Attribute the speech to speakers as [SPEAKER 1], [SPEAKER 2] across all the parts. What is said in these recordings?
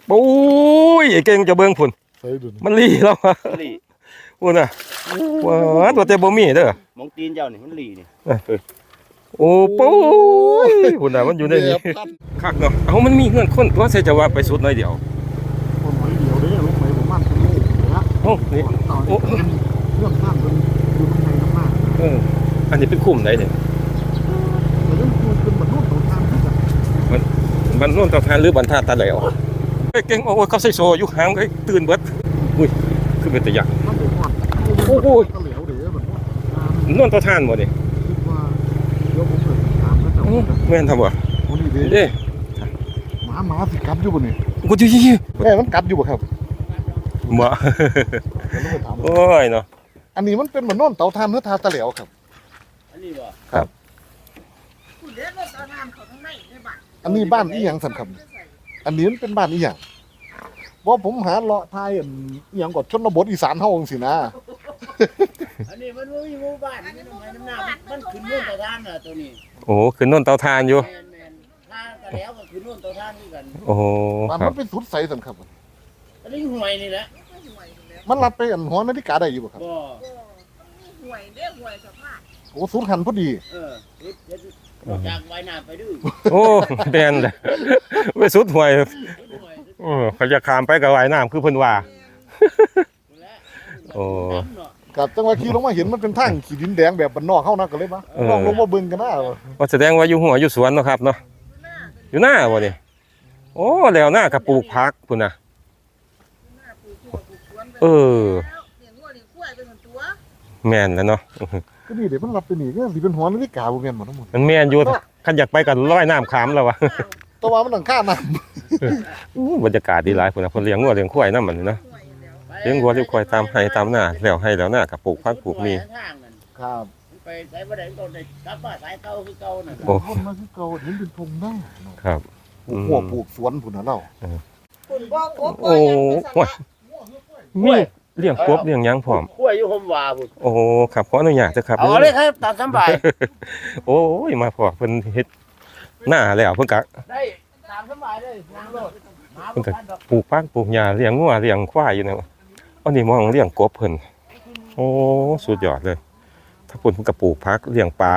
[SPEAKER 1] โอ้ยไอ้เก่งจะเบิ่งพุ่นมันลีแล้ววะพุ่นน่ะว้าตัวแต่บ่มีเด้อ
[SPEAKER 2] มองตีนเจ้านี่มันหลีนี่
[SPEAKER 1] โอ้ปุ้ยพุ่นน่ะมันอยู่ในนี้คักเนาะเอามันมีเงื่อนคนตัวใส่จะว่าไปสุดหน่อยเดียว
[SPEAKER 3] คนหอยเดียวเด้ลงไปประมาณเป็นโลนะ
[SPEAKER 1] โอ้นี่
[SPEAKER 3] โอ้เรื่องข้ามเป็นอยู่ข้างในน้ำมาก
[SPEAKER 1] อันนี้เป็นคุ้มไหนเนี่ย
[SPEAKER 3] แต่เรื่องเป็นบรรลุต่อทางที่แบบ
[SPEAKER 1] มันโน่นตะทานหรือบรรทัดตะแล้วเก่งโอ้เขาใส่โซอยู่หางไอ้ตื่นเบิดอุ้ยคือเป็นตะยัก
[SPEAKER 3] มันเป็นก้อนโอ้โหก็เหลวเด้อแบบ
[SPEAKER 1] โน่นตะทานบ่นี่
[SPEAKER 3] คิดว่าเดี๋ยวผมเกิดถามก็จะ
[SPEAKER 1] แม่นทำบ่
[SPEAKER 3] โอ้นี่เด้หมาสิกัดอยู่บ่นี่
[SPEAKER 1] กูจี้
[SPEAKER 3] แม่มันกัดอยู่บ่ครับ
[SPEAKER 1] บ่โอ้ยเนาะ
[SPEAKER 3] อันนี้มันเป็นเหมือนโน่นเตาถ่านหรือทาตะเหลวครับ
[SPEAKER 2] อันนี้บ่
[SPEAKER 1] ครับ
[SPEAKER 3] อันนี้บ้านอีหยังสั่นครับอันนี้มันเป็นบ้านอีหยังว่าผมหาเลาะทายอีหยังกดชนบทอีสานเฮาจังซี่นะ
[SPEAKER 2] อันนี้มันมีหมู่บ้านนี่น้ำหน้ามันขึ้นโน่นเตาถ่านน่ะตัวนี้
[SPEAKER 1] โอ้ขึ้นโน่นเตาถ่านอยู่
[SPEAKER 2] ถ้าตะแล้วก็ขึ้นโน่นเตาถ่านนี่กัน
[SPEAKER 1] โอ้
[SPEAKER 3] มันเป็นสุดใสสั่นครับ
[SPEAKER 2] อันนี้ห่วยนี่แหละ
[SPEAKER 3] มันรับไปอันหอนาฬิกาได้อยู่บ่ครับ
[SPEAKER 2] บ่
[SPEAKER 4] ห่วยเด้ห่วยสภาพ
[SPEAKER 3] โอ้สูงหันพอดี
[SPEAKER 2] จากไว้หน้าไปดื้อ
[SPEAKER 1] โอ้แม่นเลยไปสุดห่วยเขาจะข้ามไปกับว่ายน้ำคือเพิ่นว่าโอ้
[SPEAKER 3] กับจังหวะขี่ลงมาเห็นมันเป็นทางขี้ดินแดงแบบบ้านนอกเฮานะก็เลยมาลองลงมาเบิ่งกันนะ
[SPEAKER 1] ว่าแสดงว่าอยู่หัวอยู่สวนเนาะครับเนาะอยู่หน้าบ่นี่โอ้แล้วหน้าก็ปลูกผักพุ่นน่ะแม่นแล้วเนาะ
[SPEAKER 3] ก็นี่เดี๋ยวมันรับไปนี่ก็สิเป็นหอนาฬิกาบ่แม่นบ่ทั้งหมด
[SPEAKER 1] มันแม่นอยู่คันอยากไปก็ลอยน้ำขามแล้ววะ
[SPEAKER 3] แต่ว่ามันต้องค่าน้
[SPEAKER 1] ำบรรยากาศดีหลายพุ่นน่ะเพิ่นเลี้ยงงัวเลี้ยงควายนำมันเนาะเลี้ยงวัวเลี้ยงควายตามไร่ตามนาแล้วให้แล้วหน้าก็ปลูกผักปลูกมี
[SPEAKER 3] ครับ
[SPEAKER 2] ไปใส่บ่ได้ก็ได้กลับมาสายเก่าคือเก่าน่ะ
[SPEAKER 3] โอ้คนมาคือเก่าเห็นเป็นพงได้
[SPEAKER 1] ครับ
[SPEAKER 3] หัวปลูกสวนพุ่นน่ะเนาะ
[SPEAKER 1] โอ้มีเลี้ยงกบเลี้ยงหยังพร้อม
[SPEAKER 2] กล้วยอยู่ห่มว่าพุ่น
[SPEAKER 1] โอ้ครับขออนุญาตเด้อครับ
[SPEAKER 2] เอาเลยครับตามสบาย
[SPEAKER 1] โอ้ยมาพอเพิ่นเฮ็ดหน้าแล้วเพิ่นก็
[SPEAKER 2] ได้ตามสบายเลยนางโลด
[SPEAKER 1] เพิ่นก็ปลูกผักปลูกหญ้าเลี้ยงงัวเลี้ยงควายอยู่นะอันนี้มองเลี้ยงกบเพิ่นโอ้สุดยอดเลยถ้าเพิ่นก็ปลูกผักเลี้ยงปลา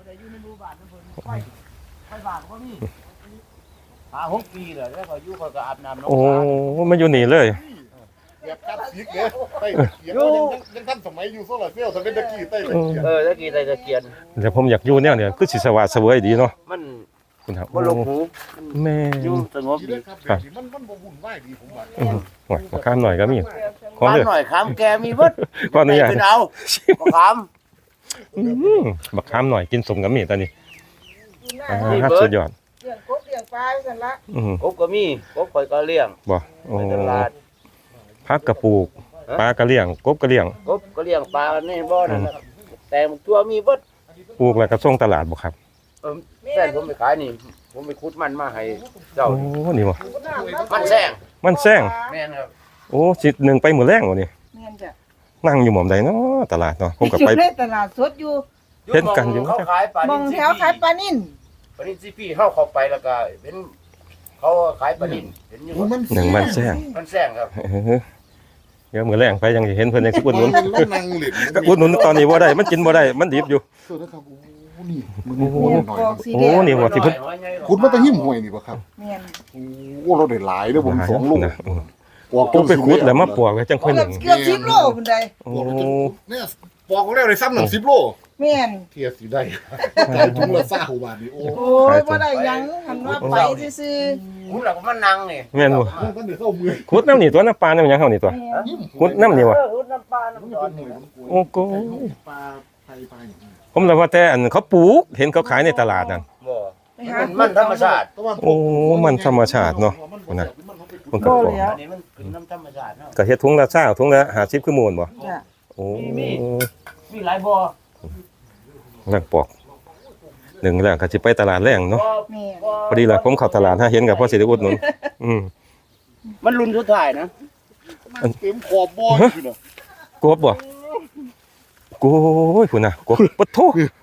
[SPEAKER 2] 6 ปีแล้วแล้วก็อยู่ก็อาบน้ำน้อง
[SPEAKER 1] โอ้มาอยู่นี่เลย
[SPEAKER 3] แบบคลาสสิกเด้ใต้เกียนยังทันสมัยอยู่โซลาร์เซลล์ถ้าเป็นตะกี้ใต้ตะเกียน
[SPEAKER 2] ตะกี้ใต้ตะเกียน
[SPEAKER 1] เดี๋ยวผมอยากอยู่แนวเนี่ยคือสิสว่างเสวยดีเนาะ
[SPEAKER 2] มัน
[SPEAKER 1] คุณครับ
[SPEAKER 2] บ่ลงหู
[SPEAKER 1] แม่
[SPEAKER 2] อยู่สงบดี
[SPEAKER 3] ครับมันบ่วุ่นวายดีผมว่า
[SPEAKER 1] โอ้ยข้ามหน่อยก็มี
[SPEAKER 2] ขอหน่อยข้ามแกมีเบิด
[SPEAKER 1] ขออนุญาต
[SPEAKER 2] เอาข้าม
[SPEAKER 1] บักข้ามหน่อยกินสมกับมีตอนนี้สุดยอด
[SPEAKER 4] เลี้ยงกบเลี้ยงปลาซั่นละ
[SPEAKER 2] กบก็มีกบข่อยก็เลี้ยง
[SPEAKER 1] บ่โอ้ผักกระปลูกปลากระเลี้ยงกบกระเลี้ยง
[SPEAKER 2] กบก็เลี้ยงปลาในบ่อนั่นน่ะแต่ตัวมีเบิด
[SPEAKER 1] ปลูกแล้วก็ส่งตลาดบ่ครับ
[SPEAKER 2] แซ่ผมไปขายนี่ผมไปขุดมันมาให้เจ้า
[SPEAKER 1] โอ้นี่บ่
[SPEAKER 2] มันแซง
[SPEAKER 1] แ
[SPEAKER 2] ม่นครับ
[SPEAKER 1] โอ้สิ1ไปมื้อแรงบ่นี่
[SPEAKER 4] แม่นจ้ะ
[SPEAKER 1] นั่งอยู่หม่อมใดเนาะตลาดเนาะผมก็ไป
[SPEAKER 4] ในตลาดสดอยู่
[SPEAKER 1] เห็นกันอยู่
[SPEAKER 2] เขาขายปลานิ่
[SPEAKER 4] มองแถวขายปลานิ่น
[SPEAKER 2] ซีพีเฮาเข้าไปแล้วก็เป็นเขาขายปลานิ่นเห็นอยู่
[SPEAKER 1] มันแซง
[SPEAKER 2] ครับ
[SPEAKER 1] เดี๋ยวมื้อแรงไปยังสิเห็นเพิ่นยังสิอุดหนุน
[SPEAKER 3] นั่งเล่น
[SPEAKER 1] ก็อุดหนุนตอนนี้บ่ได้มันกินบ่ได้มันดิบอยู่
[SPEAKER 3] นี่
[SPEAKER 1] โอ้นี่บ่ที่เพิ่น
[SPEAKER 3] ขุดมาแต่หิ้มห้วยนี่บ่ครับ
[SPEAKER 4] แม่น
[SPEAKER 3] โอ้เราได้หลายเด้อผม2ลูก
[SPEAKER 1] ปอกไปขุดแล้วมาปอกไว้จังค่อยนึง
[SPEAKER 4] เกือบ10โลพุ่นใด
[SPEAKER 1] โอ้
[SPEAKER 3] เนี่ยปอกของแล้วได้ซ้ำหนัง10โล
[SPEAKER 4] แม่น
[SPEAKER 3] เทียสิได้ถุงละ20บาทนี่โอ้
[SPEAKER 4] ยบ่ได้ยังหันว่าไปซื่อ
[SPEAKER 2] ๆขุดแล้วก็มานั่งนี่
[SPEAKER 1] แม่นบ่
[SPEAKER 3] มันได้เข้ามือ
[SPEAKER 1] ขุดน้ำนี่ตัวน้ำปลาน้ำหยังเฮานี่ตัวขุดน้ำนี่วะ
[SPEAKER 2] ขุดน้ำปลาน้ำตอน
[SPEAKER 1] โอ้โห
[SPEAKER 3] ปลาไทยปลา
[SPEAKER 1] ผมเลยว่าแต่อันเขาปลูกเห็นเขาขายในตลาดนั่น
[SPEAKER 2] บ่มันธรรมชาติ
[SPEAKER 1] โอ้มันธรรมชาติเนาะนะมันก็ปลูก
[SPEAKER 2] อันนี้มันเป็นน้ำธรรมชาติเนาะ
[SPEAKER 1] ก็เฮ็ดถุงละ20ถุงละ50คือมูลบ่โอ้
[SPEAKER 2] มีหลายบ่
[SPEAKER 1] แรงปอกหนึ่งแล้วก็สิไปตลาดแรงเนาะพอดีล่ะผมเข้าตลาดถ้าเห็นก็พอสิได้อุดหนุน
[SPEAKER 2] มันรุ่นสุดท้ายนะ
[SPEAKER 3] เต็มขอบบ่อยู่น่ะ
[SPEAKER 1] กบบ่โอ้ยพุ่นน่ะกบปะโถ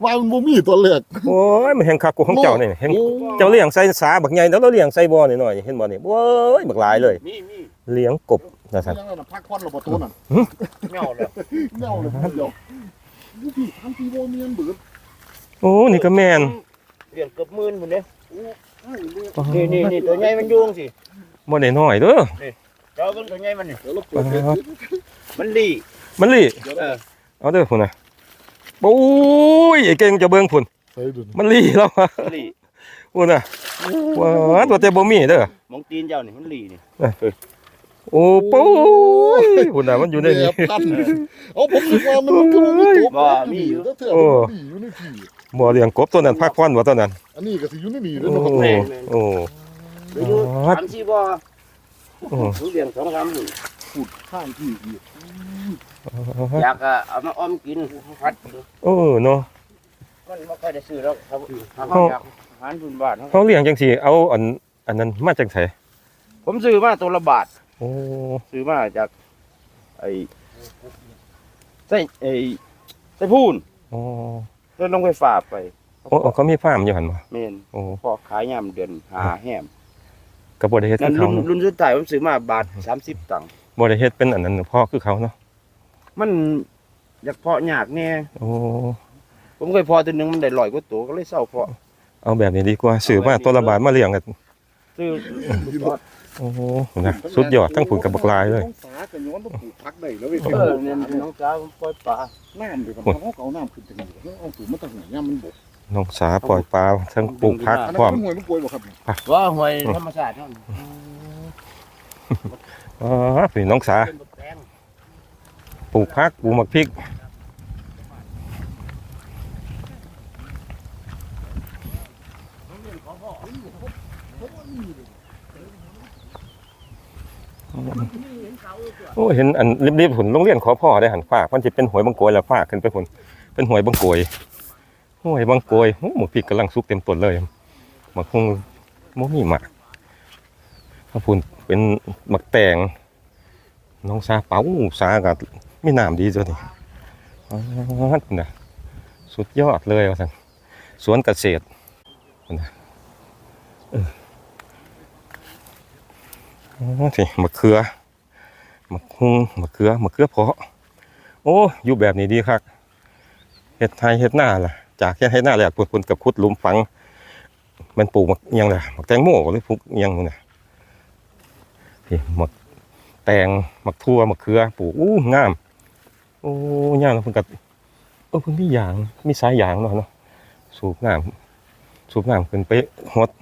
[SPEAKER 3] ว่ามันบ่มีตัวแรก
[SPEAKER 1] โอ้ยมันแห่งคักกูของเจ้านี่เห็นเจ้าเลี้ยงใส่สาบักใหญ่แล้วเราเลี้ยงใส่บ่อนี่หน่อยเห็นบ่นี่โอ้ยบักหลายเลย
[SPEAKER 2] มี
[SPEAKER 1] เลี้ยงกบนะท่าน
[SPEAKER 3] ยังไงน่ะพักควันระบบตัวนั่น
[SPEAKER 2] เงาแล้ว
[SPEAKER 3] เงาเลยเดี๋ยวดูพี่ทำทีโบเมียนเบิด
[SPEAKER 1] โอ้นี่ก็แม่น
[SPEAKER 2] เลี้ยงเกือบหมื่นพุ่นเด้นี่ตัวใหญ่มันยุงสิ
[SPEAKER 1] บ่ได้น้อยเด้อ
[SPEAKER 2] เจ้าเบิ่งตัวใหญ่มันนี่
[SPEAKER 3] เดี๋ยวเราเปิดเฟซ
[SPEAKER 2] มันดี
[SPEAKER 1] มันลี่
[SPEAKER 2] เออ
[SPEAKER 1] เอาเด้อพุ่นน่ะโอ้ยไอ้เก่งจะเบิ่งพุ่น
[SPEAKER 3] ใส่ดู
[SPEAKER 1] มันลี่แล้วอะ
[SPEAKER 2] มันดี
[SPEAKER 1] พุ่นน่ะว้าตัวแต่บ่มีเด้อ
[SPEAKER 2] มองตีนเจ้านี่มันดีนี่
[SPEAKER 1] โอ้ปุ้ยพุ่นน่ะมันอยู่ในนี้
[SPEAKER 3] พันเอาผมคิดว่ามันคือมันมีตัวมีอยู่แล้วเถื่อนมันมีอยู่ในที่
[SPEAKER 1] บ่เลี้ยงกบตัวนั้นพักผ่อนบ่ตัวนั้น
[SPEAKER 3] อันนี้ก็สิอยู่ในนี่
[SPEAKER 1] โอ้
[SPEAKER 3] เด้อเนาะ
[SPEAKER 1] โอ้
[SPEAKER 2] เดี๋ยวอยู่3-4บ่อ
[SPEAKER 1] โอ้
[SPEAKER 2] ผมเลี้ยง2-3หุ่น
[SPEAKER 3] ขุดข้างที่อีก
[SPEAKER 2] อยากเอามาอ้อมกินพัด
[SPEAKER 1] โอ้เนาะ
[SPEAKER 2] มันบ่ค่อยได้ซื้อแล้วครับเขาอยากอาหารพื้นบ้าน
[SPEAKER 1] เขาเลี้ยงจังซี่เอาอันนั้นมาจากไส
[SPEAKER 2] ผมซื้อมาตัวละบาท
[SPEAKER 1] โอ้
[SPEAKER 2] ซื้อมาจากไอ้ไส้พูน
[SPEAKER 1] โอ้
[SPEAKER 2] แล้วลงไปฝากไป
[SPEAKER 1] โอ้เขามีฟาร์มอยู่หั่นบ่
[SPEAKER 2] แม่น
[SPEAKER 1] โอ้
[SPEAKER 2] พอขายยามเดือนหาแหม
[SPEAKER 1] ก็บ่ได้เฮ็ด
[SPEAKER 2] นั่
[SPEAKER 1] คื
[SPEAKER 2] น
[SPEAKER 1] อเขาเนาะ
[SPEAKER 2] รุ่นสุดท้ายผมซื้อมาบาท30ตังค์
[SPEAKER 1] บ่ได้เฮ็ดเป็นอันนั้นพ่อคือเขาเนาะ
[SPEAKER 2] มันอยากเพาะยากแน่
[SPEAKER 1] โอ้
[SPEAKER 2] ผมเคยเพาะตัวหนึงมันได้100กว่าตัวก็เลยเศร้าเพาะ
[SPEAKER 1] เอาแบบนี้ดีกว่าซื้อมาตัวละบาทมาเลี้ยงกัน
[SPEAKER 2] ซื้อ
[SPEAKER 1] โอ้นะสุดยอดทั้งผุนกับบักลายเลย
[SPEAKER 3] น้องสาก็ย้อนมาปลูกผักได้แล้วเว้ย
[SPEAKER 2] เนี่ยน้องจ้าผมปล่อยปลา
[SPEAKER 3] น้ำเดี๋ยวเขาเอาน้ำขึ้นจากนี่เอาสูงมาตั้งไหนย่ามันบก
[SPEAKER 1] น้องสาปล่อยปลาทั้งปลูกผัก
[SPEAKER 3] อัน
[SPEAKER 1] พร้อ
[SPEAKER 3] นั้
[SPEAKER 1] ม
[SPEAKER 3] นห่วยมันป่วยบ่ครับ
[SPEAKER 2] ว่าหวยธรรมชาติเท่านั้น
[SPEAKER 1] อ๋อพี่น้องสาปลูกผักปลูกหมักพริกโอ้เห็นอันรีบๆผุนโรงเรียนขอพ่อได้หันฝากมันจะเป็นหวยบางโกยแล้วฝากขึ้นไปผุนเป็นหวยบางโกยหวยบางโกยโอ้หมกพริกกำลังสุกเต็มต้นเลยหมักคงโมมีหมากถ้าผุนเป็นหมักแตงน้องซาเป๋าซากับไม่น้ำดีจ้ะนี่อ๋อนะสุดยอดเลยว่าสันสวนเกษตรนะอ๋อสิมะเขือมะฮุงมะเขือเพาะโอ้อยู่แบบนี้ดีครับเฮ็ดไทยเฮ็ดหน้าล่ะจากเฮ็ดหน้าแล้วปุ่นกับขุดหลุมฝังมันปลูกมักอิหยังล่ะมักแตงโมหรือปลูกอิหยังนู่นน่ะนี่มักแตงมักทั่วมักเขือปลูกงามโอ้ย่างแล้วเพิ่นก็เพิ่นมียางมีสายยางเนาะสูบน้ำขึ้นไปฮด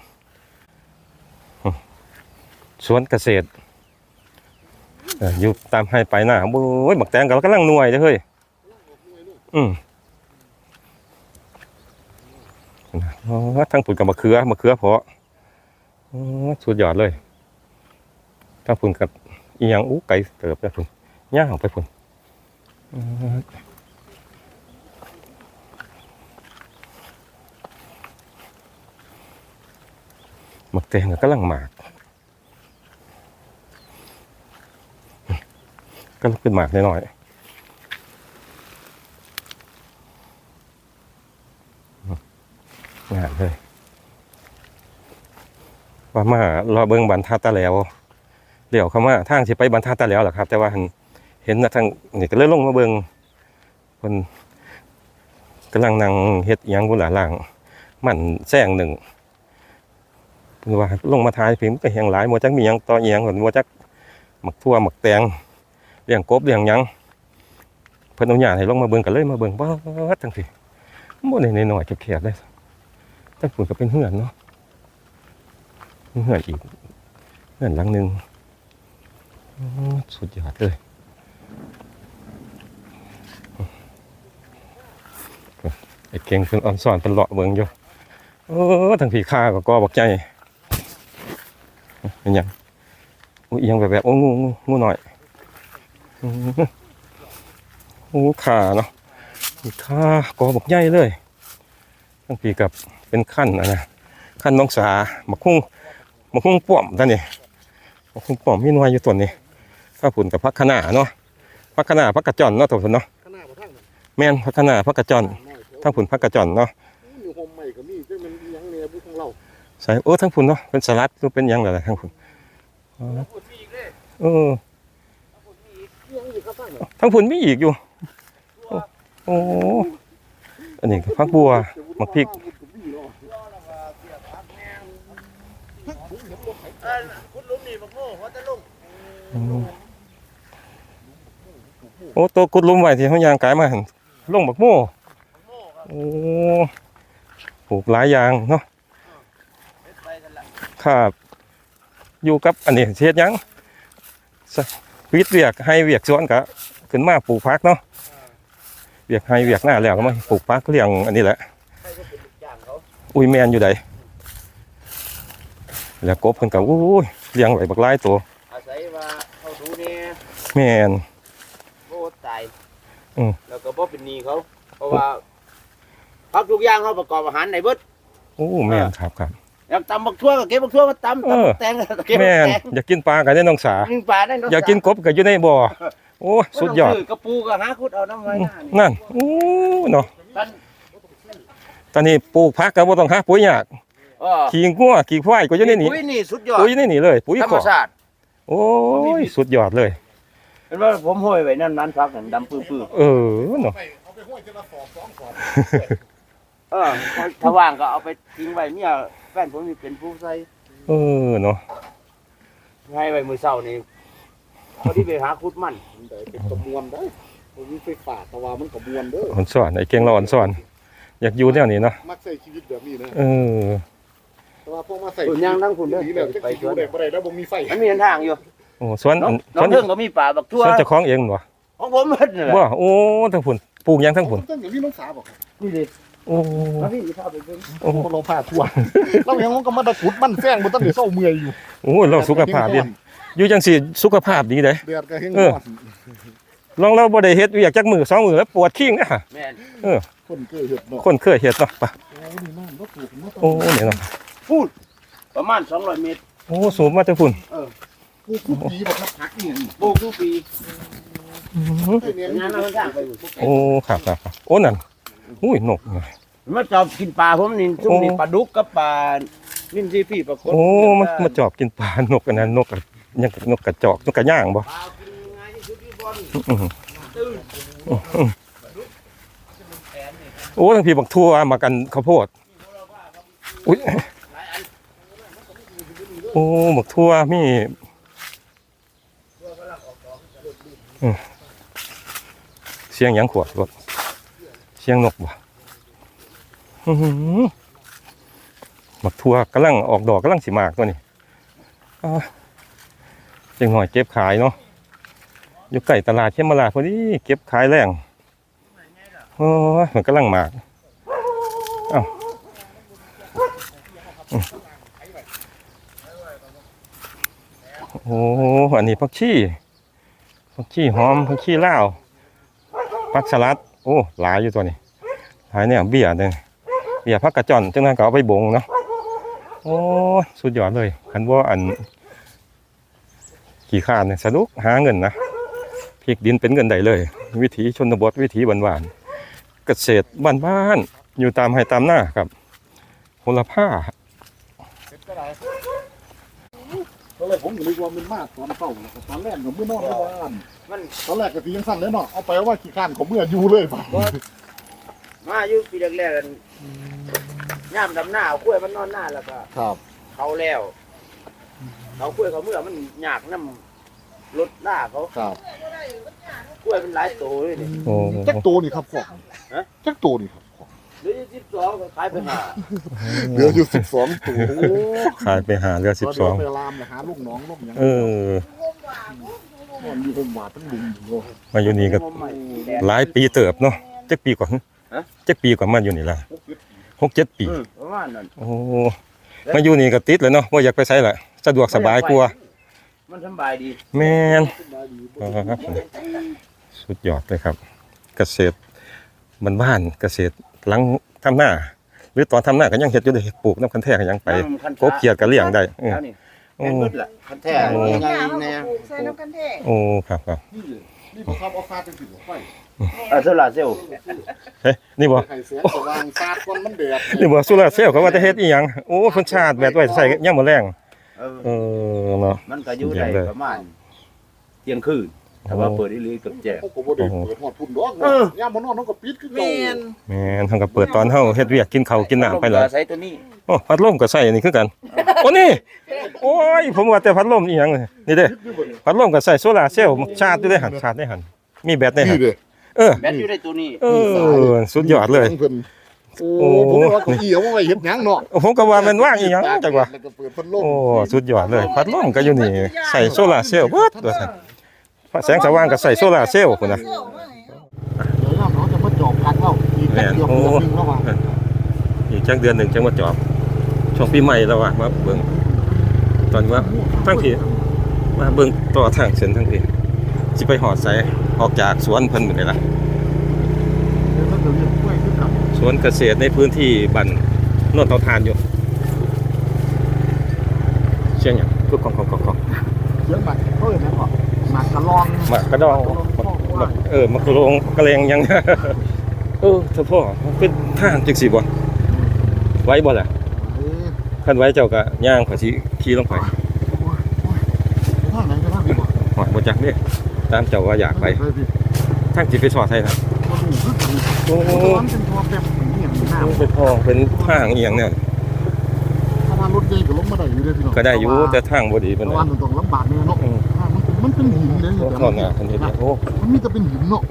[SPEAKER 1] สวนเกษตรอยู่ตามให้ไปหน้าโอ้ยบักแตงก็กำลังหน่วยเด้อเฮ้ยทั้งผุนกับมะเขือเพาะสุดยอดเลยทั้งผุนกับอีหยังไก่เติบไปผุนย่างออกไปผุนมักแตงก็กำลังหมากก็ขึ้นหมากหน่อยงานเลยว่ามารอเบิ่งบรรทัดตะแล้วเดี๋ยวเขามาทางสิไปบรรทัดตะแล้วแหละครับแต่ว่าเห็นนะทางนี่ก็เลยลงมาเบิ่งคนกำลังนั่งเฮ็ดหยังบุหลาล่างมันแซงหนึ่งว่าลงมาทายพิมพ์ก็แหงหลายมัวจักมีหยังต่ออีหยังมัวจักหมักทั่วหมักแตงเลี้ยงกบเลี้ยงหยังเพิ่นเอาหญ้าให้ลงมาเบิ่งก็เลยมาเบิ่งว่าจังซี่บ่ได้น้อยๆแคบๆเลยแต่ฝุ่นก็เป็นเหือนเนาะเหือนอีกเหือนหลังนึงสุดยอดเลยไอ้เก่งเพิ่นอ่อนสอนเพิ่นเลาะเบิ่งอยู่ทั้งผีข้าก็กอบักใจเป็นหยังอุ้ยยังแบบโอ้งูหน่อยขาเนาะขากอบักใหญ่เลยทั้งปีกับเป็นขั้นนะขั้นน้องสามักคุ้งป้อมท่านนี่มักคุ้งป้อมมีหน่วยอยู่ต้นนี่ถ้าผุนกับพักขนาเนาะพักขนาพักกระจอนเนาะตัวผุนเนาะแม่นพักขนาพักกระจอน
[SPEAKER 3] น้อยแถว
[SPEAKER 1] ทั้งผุนผักกระจ่อนเนาะ
[SPEAKER 3] อยู่โฮมใหม่ก็มีซึ่งมันอิหยังเนี่ยบุของเรา
[SPEAKER 1] ใส่โอ้ทั้งผุนเนาะเป็นสลัดหรือเป็นหยังล่ะทั้งผุนเออ
[SPEAKER 3] อิหยังอยู่ครับท่าน
[SPEAKER 1] ทั้งผุนมีอีกอยู่โอ้อันนี้ก็ผักบัวมักพริก
[SPEAKER 2] คุณลุงนี่บักโม่หัวตะลุง
[SPEAKER 1] โอ้ตัวกุดลุมไว้ที่เขายางกายมาหั่นลงบักโม่โอ้ปลูกหลายอย่างเนาะ
[SPEAKER 2] ไปกันละ
[SPEAKER 1] ครับอยู่กับอันนี้เฮ็ดหยังวิทย์เวียกให้เวียกสวนก็ขึ้นมาปลูกผักเนาะเวียกให้เวียกหน้าแล้วก็มาปลูกผักเลี้ยงอันนี้แหละ
[SPEAKER 2] ใครก็เป็นลูกจ้างเขา
[SPEAKER 1] อุ้ยแมนอยู่ใดแล้วกบเพิ่นก็อุ้ยเลี้ยงไว้บักหลายตัว
[SPEAKER 2] อาศัยว่าเขาดูเนี่ย
[SPEAKER 1] แม่น
[SPEAKER 2] โคตรตาย
[SPEAKER 1] อืม
[SPEAKER 2] แล้วก็บ่เป็นหนี้เขาเพราะว่าพักทุกอย่างเขาประกอบอาหารในเบิด
[SPEAKER 1] โอ้แม่นครับครับ
[SPEAKER 2] อยากตำบักทั่วก็เก็บบักทั่วมาตำ
[SPEAKER 1] เออ
[SPEAKER 2] ตำแตงก็เก็บ
[SPEAKER 1] แม่น
[SPEAKER 2] แตง
[SPEAKER 1] อยากกินปลาก็ได้น้องสา
[SPEAKER 2] กินปลาได้เนะ
[SPEAKER 1] อยากกินกบก็อยู่ในบ่อโอ้สุดยอด
[SPEAKER 2] กระปูก็หาขุดเอาน้ำไว้หน้านี่
[SPEAKER 1] นั่นโอ้เนาะ
[SPEAKER 2] ท่าน
[SPEAKER 1] ตอนนี้ปลูกผักก็บ่ต้องหาปุ๋ยยาก ขี้งัวขี้ควายก็อยู่ในนี้
[SPEAKER 2] ปุ๋ยนี่สุดยอด
[SPEAKER 1] ปุ๋ยในนี่เลยปุ๋ย
[SPEAKER 2] ธร
[SPEAKER 1] ข
[SPEAKER 2] รม
[SPEAKER 1] อ
[SPEAKER 2] ชาติ
[SPEAKER 1] โอ้ยสุดยอดเลย
[SPEAKER 2] เห็นว่าผมห้อยไว้นั่นนั้นพักนั่นดำปื้อ
[SPEAKER 1] เออเนาะ
[SPEAKER 3] เอาไปห้วยเจละสอบ2สอบ
[SPEAKER 2] ๆถ้าว่างก็เอาไปทิ้งไว้เมียแฟนผมนี่เป็นผู้ใส่
[SPEAKER 1] เออเนาะ
[SPEAKER 2] ให้ไว้มื้อเช้านี่พอที่ไปหาขุดมัน
[SPEAKER 3] มันได้เป็นกระมวลได้ผมมีไฟฟ้าแต่ว่ามันกระมวลเด้อ
[SPEAKER 1] อ่อนสอนไอ้เก่งเราอ่อนสอนอยากอยู่แนวนี้เนาะ
[SPEAKER 3] มักใช้ชีวิตแบบนี้นะ
[SPEAKER 1] เออ
[SPEAKER 3] แต่ว่าพวกมาใส่
[SPEAKER 2] ส่วนยางทั้งคุณเด้อ
[SPEAKER 3] นี่แหละจะ
[SPEAKER 2] ไป
[SPEAKER 3] ไป
[SPEAKER 2] สวน
[SPEAKER 3] ได้บ่ได้แล้วบ่มีไฟ
[SPEAKER 2] มันมีทางอยู่
[SPEAKER 1] โอ้สวน
[SPEAKER 2] น้อง
[SPEAKER 1] สวน
[SPEAKER 2] เพิ่งก็มีป่าบักทั่ว
[SPEAKER 1] สวนเจ้าของเองบ่
[SPEAKER 2] ของผมเพิ่นนี่แหละ
[SPEAKER 1] ว่าโอ้ทั้งผุนปลูกหยังทั้งผุน
[SPEAKER 3] ต้นอย่างนี้น้องสาบอกครับ
[SPEAKER 2] นี่ดิ
[SPEAKER 1] โอ้
[SPEAKER 2] มาพี่สิพาไปเบิ่ง
[SPEAKER 1] โอ้
[SPEAKER 3] เราพาทั่วเรายังก็มาตะกุดมันแซงบ่ทันได้เศร้าเมื่อยอยู่
[SPEAKER 1] โอ้เราสุขภาพดีอยู่จังซี่สุขภาพดีเด้
[SPEAKER 3] เดือดก็เฮง
[SPEAKER 1] เออ ลองเราบ่ได้เฮ็ดเวียกจักมือ2มือแล้วปวดขิงนะ
[SPEAKER 2] แม่น
[SPEAKER 3] คนเคยเฮ็ดเนาะ
[SPEAKER 1] คนเคยเฮ็ดเนาะไป
[SPEAKER 3] โอ้นี่น้ำรถปลูกมา
[SPEAKER 1] โอ้เนี่ยเนาะ
[SPEAKER 2] พูดประมาณ200เมตร
[SPEAKER 1] โอ้สูงมาแต่พุ่น
[SPEAKER 3] ปลูกทุกปีบ่ครับผักนี่
[SPEAKER 2] ปลูกทุกปี
[SPEAKER 3] เนี่ย
[SPEAKER 2] งานเราสร้างไปอยู่
[SPEAKER 1] โอ้ครับครับครับโอ้นั่นอุ้ยนกไง
[SPEAKER 2] มันชอบกินปลาผมนี่ซุ่มนี่ปลาดุกกับปลานิ่มซีพี่ปลากด
[SPEAKER 1] โอ้มันมาจอบกินปลานกอันนั้นนกอะยังนกกระจอกนกกระย่างบ่
[SPEAKER 2] ปลากินง่ายที่สุดที่บน
[SPEAKER 1] อื้อหือ
[SPEAKER 2] ตื่น
[SPEAKER 1] โอ้ทั้งพี่บักทั่วมากันข้าวโพดอุ้ยโอ้บักทั่วมีเสียงหยังขวดรถเสียงนกบ่อื้อหือบักทั่วกำลังออกดอกกำลังสิมากตัวนี้จังหน่อยเก็บขายเนาะอยู่ใกล้ตลาดเขมราชพอดีเก็บขายแรงโอ้ยมันกำลังมากเอ้าโอ้อันนี้ผักชีหอมผักชีลาวผักสลัดโอ้หลายอยู่ตัวนี้หลายเนี่ยเบี้ยเนี่ยเบี้ยผักกระจ่อนจังนั้นก็เอาไปบงเนาะโอ้สุดยอดเลยคันว่าอันขี่ข้านเนี่ยสนุกหาเงินนะพริกดินเป็นเงินได้เลย วิถีชนบทวิถีบ้านๆเกษตรบ้านๆอยู่ตามไร่ตามหน้าครับโหระพา
[SPEAKER 3] ตอนแรกผมก็นึกว่ามันมาตอนเช้าตอนแรกก็มื้อนอนในบ้าน
[SPEAKER 2] มัน
[SPEAKER 3] ตอนแรกก็สิยังสั่นเลยเนาะเอาไปว่าขี้ข้านของเมื่ออยู่เลยป่ะ
[SPEAKER 2] มาอยู่ปีแรกๆกันย่ามดำหน้าเอากล้วยมันนอนหน้าแล้วก็
[SPEAKER 3] ครับ
[SPEAKER 2] เขาแล้วเขากล้วยเขาเมื่อมันหยากน้ำรถหน้าเขา
[SPEAKER 3] ครับ
[SPEAKER 2] กล้วยมันหลายโตเลยนี่
[SPEAKER 1] โอ้
[SPEAKER 3] จักโตนี่ครับพ่อ
[SPEAKER 2] ฮะ
[SPEAKER 3] จักโตนี่ครับ
[SPEAKER 2] เหลือ12ก็ขายไปหา
[SPEAKER 3] เหลืออยู่12ตัวโอ้
[SPEAKER 1] ขายไปหาเรือ
[SPEAKER 3] เดี๋ยวไปลามนะหาลูกน้องลูกหยัง
[SPEAKER 1] เออ
[SPEAKER 3] มันอยู่ผมว่าทั้งลุงอยู่
[SPEAKER 1] มาอยู่นี่ก็ หลายปีเติบเนาะจักปีกว่าจักปีกว่ามาอยู่นี่ล่ะ6-7 ปี
[SPEAKER 2] ประมาณนั้น
[SPEAKER 1] โอ้มาอยู่นี่ก็ติดเลยเนาะบ่อยากไปไสล่ะสะดวกสบายกว่า
[SPEAKER 2] มันสบายดี
[SPEAKER 1] แม่นครับสุดยอดเลยครับ เกษตรบ้านๆเกษตรหลังทำหน้า หรือตอนทำหน้าก็ยังเฮ็ดอยู่เลยปลูกน้ำคันแท้ก็ยังไปกบเขียดก็เลี้ยงได้
[SPEAKER 2] แล้วนี่
[SPEAKER 1] โอ้
[SPEAKER 2] แม่นมืดล่ะคันแท้
[SPEAKER 1] โอ้
[SPEAKER 2] ยังไง
[SPEAKER 4] เอา
[SPEAKER 2] แน่
[SPEAKER 4] ปลูกใส่น้ำกันแท้
[SPEAKER 1] โอ้ครับครับ
[SPEAKER 3] นี่นี่บ่ครับเอาฟาดจังซี่บ่ไฟ
[SPEAKER 2] โซลาร์เซลล์
[SPEAKER 1] เฮ้ยนี่บ่
[SPEAKER 3] ให้แสงสว่างฟาดก่อนมันแดด
[SPEAKER 1] นี่บ่โซลาร์เซลล์เขาว่าจะเฮ็ดอีหยังโอ้เพิ่นชาร์จแบตไว้ใส่ยามมื้อแลงเนาะ
[SPEAKER 2] มันก็อยู่ได้ประมาณเที่ยงคืนถ้าว่าเปิดอีหลีกับแจ้ง
[SPEAKER 3] เขาก็บ่ได้เปิดฮอดพุ่นดอกยามบ่นอนเฮาก็ปิดคือเก่า
[SPEAKER 4] แม่น
[SPEAKER 1] แม่นเฮาก็เปิดตอนเฮาเฮ็ดเวียกกินข้าวกินน้ำไปเลย
[SPEAKER 2] ใช้ตัวนี้
[SPEAKER 1] โอ้พัดลมก็ใส่อันนี้คือกันโอ้นี่โอ้ยผมว่าแต่พัดลมอีหยังนี่เด้พัดลมก็ใส่โซลาร์เซลล์ชาร์จอยู่ได้หั่นชาร์จได้หั่นมีแบตได้หั่
[SPEAKER 3] นี่
[SPEAKER 1] น
[SPEAKER 3] เด้
[SPEAKER 1] เออ
[SPEAKER 2] แบตอยู่ในตัวนี้
[SPEAKER 1] สุดยอดเลย
[SPEAKER 3] เพิ่นโอ้ผมว่าเก้าอี้เอาไว้เฮ็ดหยังเนาะ
[SPEAKER 1] ผมก็ว่ามันว่างอีหยังจังว่า
[SPEAKER 3] แล้วก็เปิดพัดลม
[SPEAKER 1] โอ้สุดยอดเลยพัดลมก็อยู่นี่ใส่โซลาร์เซลล์เบิดว่าซั่นแสงสว่างก็ใส่โซลาร์เซลล์พุ่นน่ะ
[SPEAKER 3] เดี๋ยวน้องจะมาจอบพักเล่าอีกแป๊บเดียวเดือนนึงแล้วว่า
[SPEAKER 1] อีกจักเดือนหนึงจังมาจอบช่วงปีใหม่แล้วว่ามาเบิ่งตอนว่าทั้งที่มาเบิ่งต่อทางเส้นทั้งที่สิไปหอดไสออกจากสวนเพิ่นมื้อนี้ล่ะ
[SPEAKER 3] เดี๋ยวถ้าเกิดเรื่องกล้วยขึ้นกับ
[SPEAKER 1] สวนเกษตรในพื้นที่บ้านโนนเตาถ่านอยู่เชียงหยังคือของ
[SPEAKER 3] เสียงบัตรเพิ่นนะก่อนหมากกะลอง
[SPEAKER 1] มากระดองมากระโรงกระเลงหยัง เฉพาะมันเป็นทางจังซี่บ่ไว้บ่ล่ะคันไว้เจ้าก็ย่างขอสิขี่ลงไป
[SPEAKER 3] ทางไหนก็ทางนี้บ่
[SPEAKER 1] หอดบ่จักเด้ตามเจ้าว่าอยากไปทางสิไปสอดไทยนะ
[SPEAKER 3] บ่รู้คือกัน
[SPEAKER 1] โอ้
[SPEAKER 3] มันเป็นทัวร์แบบนี้อย่างน้ำ
[SPEAKER 1] เป็นทองเป็นทางอีหยังเนี่ย
[SPEAKER 3] ถ้าว่ารถใหญ่ก็ลงมาได้อยู่เด้อพี่น้อง
[SPEAKER 1] ก็ได้อยู่แต่ทางบ่ดี
[SPEAKER 3] เพ
[SPEAKER 1] ปาน
[SPEAKER 3] ราะ
[SPEAKER 1] ใด
[SPEAKER 3] ว่ามันต้องลำบากแน่เนาะมันเป็นหินเลย
[SPEAKER 1] โอ้ทอดหน้าคันนี้เนี่ยโอ้
[SPEAKER 3] มันมีแต่เป็นหินเนาะ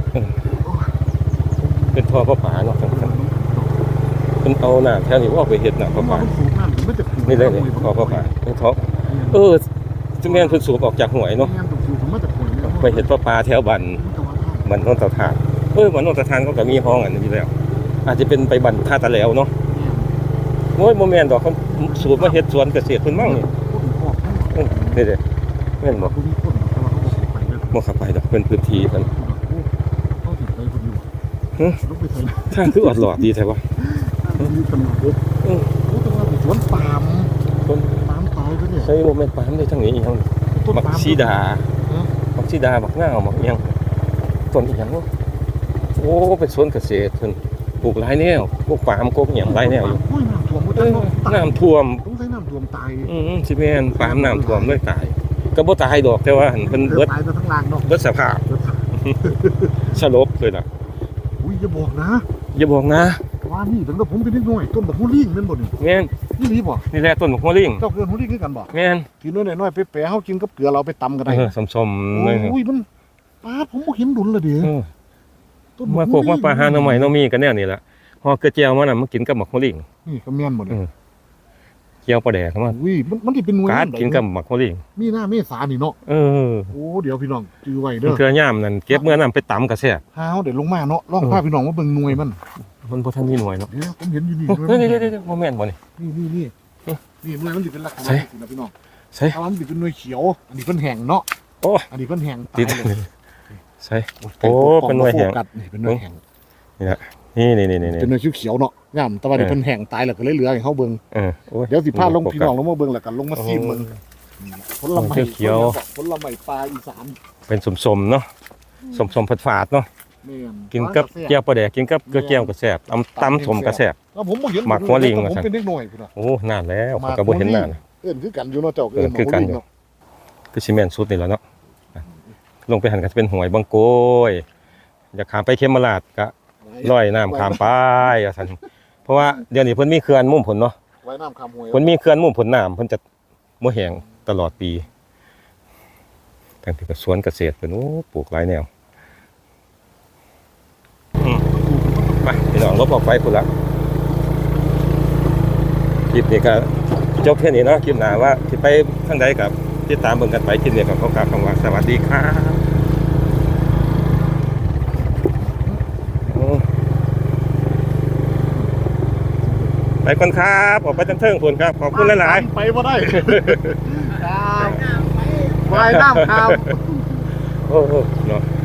[SPEAKER 1] เป็นท่อพระผาเนาะเพิ่นเอาน้ำแถวนี้ว่าไปเฮ็ดน้ำพระผา
[SPEAKER 3] มันสูงน้ำมันจะ
[SPEAKER 1] นี่เลยนี่ท่อพระผาเป็นท่อจุแม่นเพิ่นสูบออกจากห้วยเนาะ
[SPEAKER 3] งานตกสูงมันจะขวย
[SPEAKER 1] ไปเฮ็ดพระผาแถวบ้านบ้านโนนเตาถ่านบ้านโนนเตาถ่านเขาก็มีห้องอันนี้อยู่แล้ว อาจจะเป็นไปบ้านท่าตะแหลวเนาะโอ้ยบ่แม่นดอกเขาสูบมาเฮ็ดสวนเกษตรเพิ่นมั่งนี่นี่เด้แม่นบ่บ่เข้าไปดอกเพิ่นพื้นที่เพิ่นทางคือออดหลอดดีแท้วะ
[SPEAKER 3] สวนปาล์ม
[SPEAKER 1] ต้น
[SPEAKER 3] ปาล์มตายไปเนี่ย
[SPEAKER 1] ใช่บ่แม่นปาล์มได้ทั้งนี้อีหยังมักซีดามักซีดามักง่าวมักอีหยังต้นอีหยังวะโอ้เป็นสวนเกษตรเพิ่นปลูกหลายแนวพวกปาล์มกกอีหยังหลายแนวอยู่
[SPEAKER 3] น้ำท่วม
[SPEAKER 1] น้ำท่วม
[SPEAKER 3] ต้องใช้น้ำท่วมตาย
[SPEAKER 1] สิแม่นปาล์มน้ำท่วมเลยตายก็บ่ตายดอกแต่ว่าหั่นเพิ่นเบิด
[SPEAKER 3] ตายไปทั้งลางเนาะ
[SPEAKER 1] เบิดสภาพสลบเลยล่ะ
[SPEAKER 3] อุ้ยอย่าบอกนะ
[SPEAKER 1] อย่าบอกนะ
[SPEAKER 3] ว่านี่ตั้งแต่ผมเป็นเด็กน้อยต้นบักฮูลิ่งนั่นบ่นี่
[SPEAKER 1] แม่น
[SPEAKER 3] นี่นี่บ่
[SPEAKER 1] นี่แหละต้นหัวลิง
[SPEAKER 3] เจ้าเกินฮูลิ่งคือกันบ่
[SPEAKER 1] แม่น
[SPEAKER 3] กินน้อยๆไปๆเฮากินกับเกลือเราไปตำกันได้
[SPEAKER 1] สมๆเลย
[SPEAKER 3] อุ้ยมันป้าผมบ่เห็นดุลละเด้ต้น
[SPEAKER 1] มาโคกมาปลาหาหน่อไม้หน่อมีกันแนวนี่ล่ะฮอเกลือแจวมันน่ะมากินกับหมักหัวลิง
[SPEAKER 3] นี่ก็แม่นบ่นี่
[SPEAKER 1] เจียวปลาแดกมัน
[SPEAKER 3] อุ้ยมันสิเป็นหน่วย
[SPEAKER 1] การกินกับหมักหัวลิง
[SPEAKER 3] มีหน้าเมษานี่เนาะ
[SPEAKER 1] โอ้
[SPEAKER 3] เดี๋ยวพี่น้องจื้อไว้
[SPEAKER 1] มั
[SPEAKER 3] เด้
[SPEAKER 1] น
[SPEAKER 3] อ
[SPEAKER 1] เกลือย่ามนั่นเก็บเมื่อน้ำไปตำกระแซ่บ
[SPEAKER 3] หาเฮาได้ลงมาเนาะลองพาพี่น้องมาเบิ่งหน่วยมัน
[SPEAKER 1] มันบ่ทันมีหน่วยเนาะ
[SPEAKER 3] เดี๋ยวผมเห็นอยู่นี่
[SPEAKER 1] เฮ้ยเดี๋ยวบ่แม่นบ่นี่
[SPEAKER 3] นี่หน่วยมันสิเป็นลักษณะ
[SPEAKER 1] ใช่
[SPEAKER 3] นี้นะพี่น้อง
[SPEAKER 1] ใช่
[SPEAKER 3] ถ้ามันสิเป็นหน่วยเขียว อันนี้เพิ่นแห้งเนาะ
[SPEAKER 1] โอ้
[SPEAKER 3] อันนี้เพิ่นแห้งตา
[SPEAKER 1] ติด
[SPEAKER 3] ยเลย
[SPEAKER 1] ใช่ โอ้เป็นหน่วยแห้ง
[SPEAKER 3] โฟกัสนี่เป็นหน่วยแห้ง
[SPEAKER 1] นี่
[SPEAKER 3] เป็นหน่วยเขียวๆเนาะงามแต่ว่านี่เพิ่นแห้งตายแล้วก็เลยเหลือให้เฮาเบิ่ง
[SPEAKER 1] โอ้ย
[SPEAKER 3] เดี๋ยวสิพาลงพี่น้องลงมาเบิ่งแล้วกันลงมาซีมเบิ่งผลไม้
[SPEAKER 1] เขียว
[SPEAKER 3] ผลไม้ปลาอีสาน
[SPEAKER 1] เป็นสมๆเนาะสมๆฝาดๆเนาะ
[SPEAKER 3] แม่น
[SPEAKER 1] กินกับแก้วปลาแดกกินกับเกลือแก้วกระแซ่บตำสมกระแซ่บ
[SPEAKER 3] แล้วผมบ่เห็น
[SPEAKER 1] หมักหัวลิง
[SPEAKER 3] ผม
[SPEAKER 1] ว่าซั่น
[SPEAKER 3] เป็นเด็กน้อยพุ่นน่ะ
[SPEAKER 1] โอ้นานแล้วข้อยก็บ่เห็นนาน
[SPEAKER 3] เอิ้นคือกันอยู่เนาะเจ้า
[SPEAKER 1] เอิ้นคือกันอยู่
[SPEAKER 3] เนาะ
[SPEAKER 1] คือซีเมนต์สุดนี่แหล้วเนาะลงไปหันก็จะเป็นหวยบางโกยอยากขามไปเขมราชก็ลอยน้ำขามไปว่าซั่นเพราะว่าเดี๋ยวนี้เพิ่นมีเขื่อนมุ่มผลเนาะ
[SPEAKER 3] ไว้น้ำคำหวย
[SPEAKER 1] เพิ่นมีเขื่อนมุ่มผลน้ำเพิ่นจะบ่แห้งตลอดปีทั้งที่ก็สวนเกษตรเพิ่นโอ้ปลูกหลายแนวไปพี่น้องลบออกไปพุ่นละคลิปนี้ก็จบแค่นี้เนาะคลิปหน้าว่าสิไปทางใดกับติดตามเบิ่งกันไปคลิปนี้ก็ขอกล่าวคำว่าสวัสดีครับไปก่อนครับออกไปทางเทิงพุ่นครับขอบคุณหลายๆ
[SPEAKER 3] ไปบ่ได้ครับว่ายน้ำครับ
[SPEAKER 1] โอ้โหเนาะ